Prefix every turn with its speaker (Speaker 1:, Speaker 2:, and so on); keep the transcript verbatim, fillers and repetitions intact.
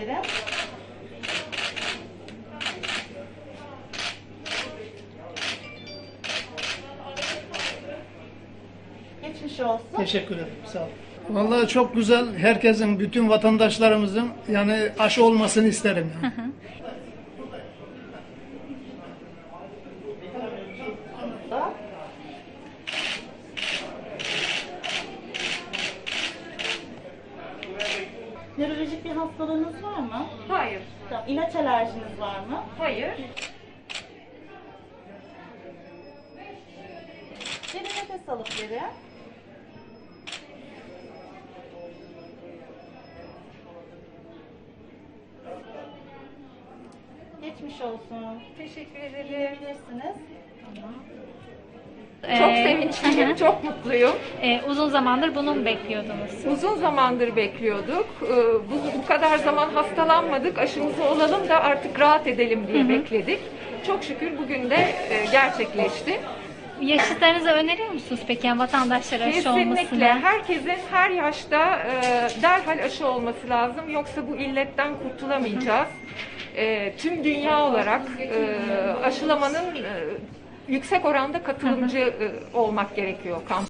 Speaker 1: verin. Geçmiş olsun.
Speaker 2: Teşekkür ederim. Sağ ol. Vallahi çok güzel. Herkesin, bütün vatandaşlarımızın yani aşı olmasını isterim. Yani.
Speaker 1: Nörolojik bir hastalığınız var mı?
Speaker 3: Hayır,
Speaker 1: Tamam. İlaç alerjiniz var mı?
Speaker 3: hayır.
Speaker 1: Bir nefes alıp verin. Geçmiş olsun.
Speaker 3: Teşekkür ederim.
Speaker 1: Yiyebilirsiniz.
Speaker 3: Çok
Speaker 4: Ee,
Speaker 3: sevinçliyim, çok mutluyum.
Speaker 4: e, uzun zamandır bunu mu bekliyordunuz?
Speaker 3: Uzun zamandır bekliyorduk. Ee, Bu, bu kadar zaman hastalanmadık, aşımızı olalım da artık rahat edelim diye bekledik. Çok şükür bugün de e, gerçekleşti.
Speaker 4: Yaşıtlarınıza öneriyor musunuz peki yani vatandaşlara aşı
Speaker 3: Kesinlikle
Speaker 4: olmasını?
Speaker 3: herkesin her yaşta e, derhal aşı olması lazım. Yoksa bu illetten kurtulamayacağız. E, tüm dünya olarak e, aşılamanın e, yüksek oranda katılımcı e, olmak gerekiyor kamp.